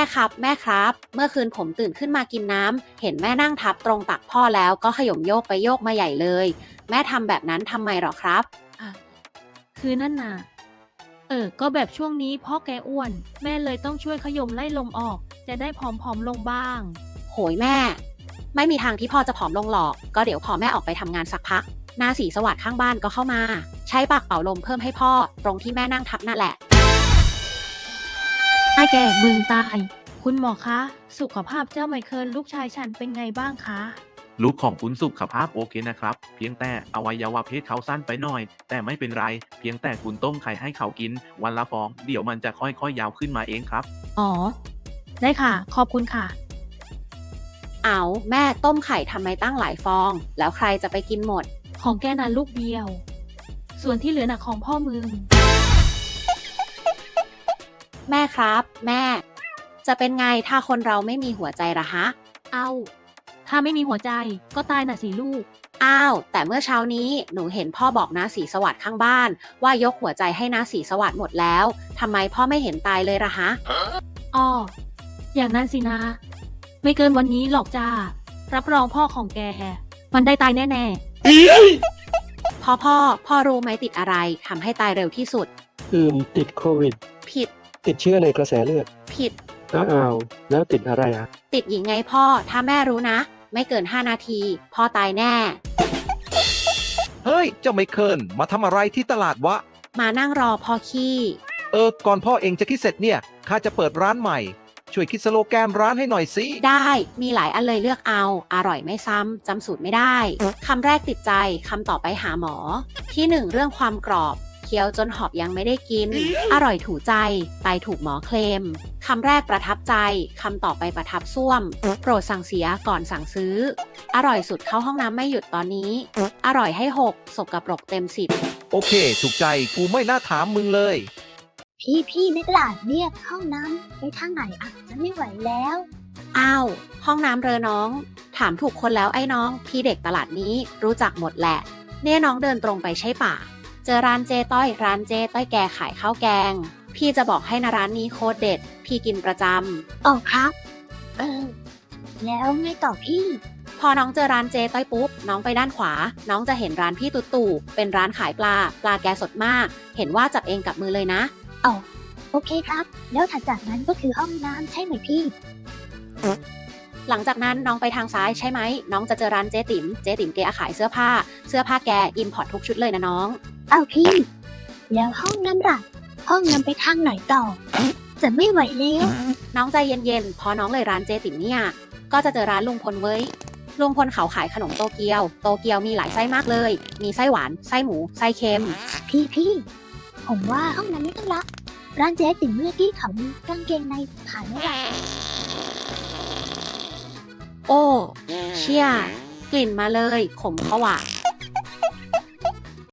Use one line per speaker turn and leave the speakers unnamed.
ครับแม่ครับเมื่อคืนผมตื่นขึ้นมากินน้ำเห็นแม่นั่งทับตรงตักพ่อแล้วก็ขย่มโยกไปโยกมาใหญ่เลยแม่ทำแบบนั้นทำไมหรอครับ
อ่ะคือนั่นน่ะก็แบบช่วงนี้พ่อแกอ้วนแม่เลยต้องช่วยขยมไล่ลมออกจะได้ผอมๆลงบ้าง
โหยแม่ไม่มีทางที่พ่อจะผอมลงหรอกก็เดี๋ยวพอแม่ออกไปทำงานสักพักหน้าสีสวัสดิ์ข้างบ้านก็เข้ามาใช้ปากเป่าลมเพิ่มให้พ่อตรงที่แม่นั่งทับนั่นแหละ
ไอ้แกมึงตายคุณหมอคะสุขภาพเจ้าไมเคิลลูกชายฉันเป็นไงบ้างคะ
ลูกของคุณสุขภาพโอเคนะครับเพียงแต่อวัยวะเพศเขาสั้นไปหน่อยแต่ไม่เป็นไรเพียงแต่คุณต้มไข่ให้เขากินวันละฟองเดี๋ยวมันจะค่อยๆยาวขึ้นมาเองครับ
อ๋อได้ค่ะขอบคุณค่ะ
เอาแม่ต้มไข่ทำไมตั้งหลายฟองแล้วใครจะไปกินหมด
ของแกนั้นลูกเดียวส่วนที่เหลือน่ะของพ่อมึง
แม่ครับแม่จะเป็นไงถ้าคนเราไม่มีหัวใจละฮะ
เอาถ้าไม่มีหัวใจก็ตายน่ะสิลูก
อ้าวแต่เมื่อเช้านี้หนูเห็นพ่อบอกน้าศรีสวัสดิ์ข้างบ้านว่ายกหัวใจให้น้าศรีสวัสดิ์หมดแล้วทำไมพ่อไม่เห็นตายเลยละฮะ
อ้ออย่างนั้นสินะไม่เกินวันนี้หรอกจ้ารับรองพ่อของแกมันได้ตายแน่
พ่อรู้ไหมติดอะไรทำให้ตายเร็วที่สุด
ติดโควิด
ผิด
ติดเชื้อในกระแสเลือด
ผิด
อ้าวแล้วติดอะไรอ่ะ
ติดหญิงไงพ่อถ้าแม่รู้นะไม่เกิน5 นาทีพ่อตายแน่
เฮ้ยเจ้าไมเคิลมาทำอะไรที่ตลาดวะ
มานั่งรอพ่อขี้
ก่อนพ่อเองจะคิดเสร็จเนี่ยข้าจะเปิดร้านใหม่ช่วยคิดสโลแกนร้านให้หน่อยสิ
ได้มีหลายอันเลยเลือกเอาอร่อยไม่ซ้ำจำสูตรไม่ได้คำแรกติดใจคำต่อไปหาหมอที่1เรื่องความกรอบเคี้ยวจนหอบยังไม่ได้กินอร่อยถูใจไตถูกหมอเคลมคำแรกประทับใจคำต่อไปประทับซ่วมโปรดสั่งเสียก่อนสั่งซื้ออร่อยสุดเข้าห้องน้ำไม่หยุดตอนนี้อร่อยให้6สกปรกเต็ม10
โอเคถูกใจกูไม่น่าถามมึงเลย
พี่ในตลาดเนี่ยห้องน้ำไปทางไหนอ่ะฉันไม่ไหวแล้ว
อ้าวห้องน้ำเรอน้องถามถูกคนแล้วไอ้น้องพี่เด็กตลาดนี้รู้จักหมดแหละเนี่ยน้องเดินตรงไปใช่ป่ะเจอร้านเจต้อยร้านเจต้อยแกขายข้าวแกงพี่จะบอกให้นะร้านนี้โคตรเด็ดพี่กินประจ
ำอ๋อครับแล้วไงต่อพี่
พอน้องเจอร้านเจต้อยปุ๊บน้องไปด้านขวาน้องจะเห็นร้านพี่ตู่เป็นร้านขายปลาแกสดมากเห็นว่าจับเองกับมือเลยนะ
อ๋อโอเคครับแล้วถัดจากนั้นก็คือห้องน้ำใช่ไหมพี่
หลังจากนั้นน้องไปทางซ้ายใช่ไหมน้องจะเจอร้านเจ๊ติ๋มแกขายเสื้อผ้าแกอิมพอร์ตทุกชุดเลยนะน้อง
เอาพี่แล้วห้องน้ำล่ะห้องน้ำไปทางไหนต่อจะไม่ไหวแล้ว
น้องใจเย็นๆพอน้องเลยร้านเจ๊ติ๋มเนี่ยก็จะเจอร้านลุงพลเว้ยลุงพลเขาขายขนมโตเกียวมีหลายไส้มากเลยมีไส้หวานไส้หมูไส้เค็ม
พี่ผมว่าห้องน้ำไม่ต้องละร้านเจ๊ติ๋มเมื่อกี้เขามีกางเกงในขายไม่ได้
โอ้เชี่ยกลิ่นมาเลยขมขวะ